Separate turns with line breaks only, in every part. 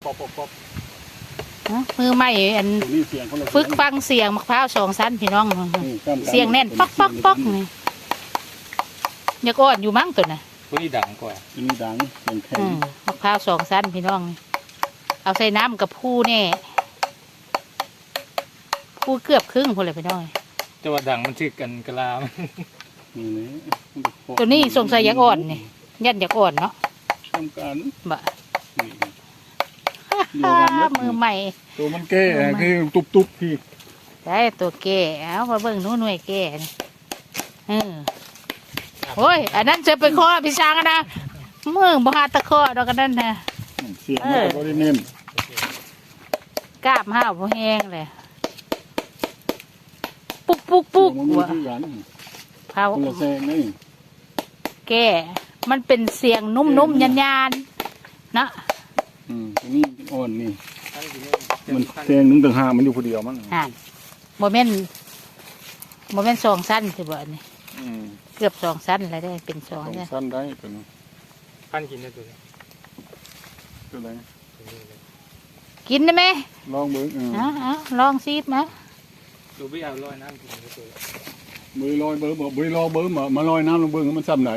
ปอกปอกปอก
มือใหม่อันฝึกฟังเสียงมะพร้าว2 ชั้นพี่น้องเสียงแน่นป๊อกป๊อกป๊อกนี่อยากอ่อนอยู่มั้งตัวน่ะ
ตัวนี้ดังกว่า
ตัวนี้ดังแข็ง
มะพร้าว2 ชั้นพี่น้องเอาใส่น้ำกับผู้แน่ผู้เกือบครึ่งพอเลยพี่น้อง
จะว่าดังมันชื่อกันกะลา
ตัวนี้สงสัยอยากอ่อนนี่ยันอยากอ่อนเนาะ
ทำการ
บะมือใหม่
ตัวมันแก่คือตุบพี่
ได้ตัวแก่เอามาเบิ่งนู้นหน่วยแก่โอ้ยอันนั้นจะไปข้อพี่ช้างนะมือบ่หาตะข้อดอกกันนั่นนะ
เสียงมันก็ได้เน้น
กล้ามห้าวบ่แห้งเลยปุ๊กปุ๊กปุ๊กว่ะเผาแก่มันเป็นเสียงนุ่มๆยันๆนะ
ตัวนี้อ่อนนี่มันแทงนึงต่างหากมันอยู่คนเดียวมั้ง
โมเมนต์2 ชั้นสิบ่นี่เกือบ2 ชั้นอะไรได้เป็น2
ชั้นได้ตัวนี้
พันกินได้ตัวนี้
ตัวไหน
กินได้ไหม
ลองเบิ้ง
ลองซีดมั้ย
ดูไม่เอาลอยน้ำกินได้ตัว
มือลอยเบิ้งมือลอยเบิ้งมาลอยน้ำลงเบิ้งมันซ้ำไหน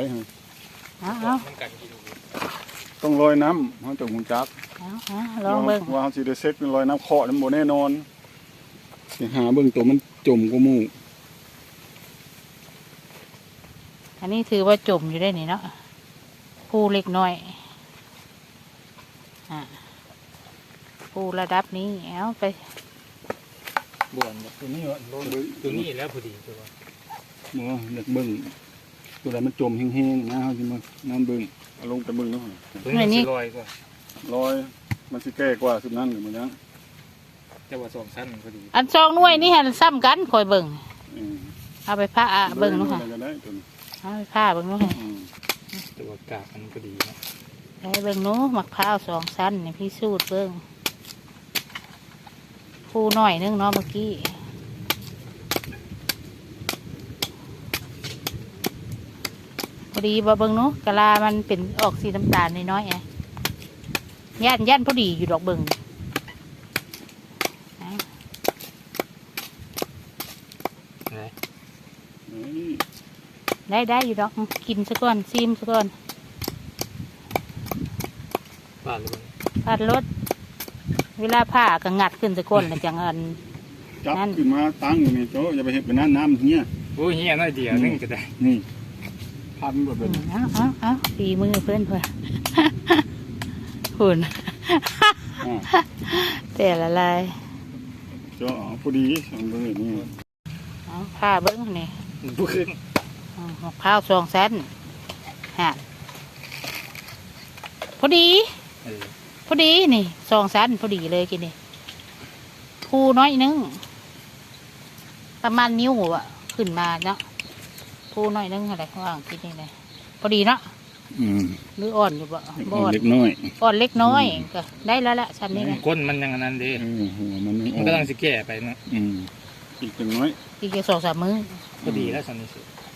ต้องลอยน้ำเขาจะหุ่นจัก
ลองเบิ้ง
ว่าเขาสิได้เซ็ตเป็นลอยน้ำเคาะน้ำโบแน่นอนหาเบิ้งตัวมันจมก็มู่
อันนี้ถือว่าจมอยู่ได้นี่เนาะผู้เล็กน้อยผู้ระดับนี้เอาไป
บ่วนตัวนี้ตัวนี้แล้วพอดีตัว
เมื่อเด็กเบิ้งตัวใดมันจมแห้งๆนะเขาจะมาน้ำเบิ้งเอาลงแต่เบิ้งแล้ว
ตัวนี้ลอยกว่า
ลอยมันสิแก่กว่าสุดนั้นหรือมันยัง
แต่ว่า2 ชั้นพอดี
อัน2 หน่วยนี่หันซ้ำกันคอยเบิ้งเอาไปผ้าเบิ้งนู้นค่ะเอาไปผ้าเบิ้งนู้นค่ะ
ตัวกาบมันพอดีนะ
ได้เบิ้งนู้นมะพร้าว2 ชั้นนี่พี่สูตรเบิ้งผู้หน่อยนึงเนาะเมื่อกี้พอดีบ่เบิ้งนู้นกะลามันเป็นออกสีน้ำตาลน้อยๆไงย่านพอดีอยู่ดอกเบิ้งได้อยู่ดอกกินซะก่อนซิมซะก่อน
ผ่าน
รถเวลาผ้าก็งัดขึ้นซะก่อนแล้วจังอัน
จับขึ้นมาตั้งอยู่นี่โจ้อย่าไปเห็ดเป็นน้ำเหี้ย
โอ้ยเหี้ยน้อยเดียวนึงก็ได้
นี่พันแบบเป็น
เอาตีมือเพื่อนหุ่นแต่ละลาย
โจ้พอดีสองเบิ้งนี่
ผ้าเบิ้งนี่
บุ้ง
มะพร้าว2 ชั้นพอดีนี่2 ชั้นพอดีเลยกินนี่ผู้น้อยนึงประมาณนิ้วอ่ะขึ้นมาเนาะผู้น้อยนึงอะไรข้างล่างกินนี่เลยพอดีเนาะหรืออ่อนอยู่บ่
อ่อนเล็กน้อย
อ่อนเล็กน้อยก็ได้แล้วละชั้นนี้นะ
ก้นมันยังนั้นดีมันกำลังจะแก่ไปนะ
อีกน้อย
อีก2-3 มื้อ
พอดีแล้วชั้นนี้สุด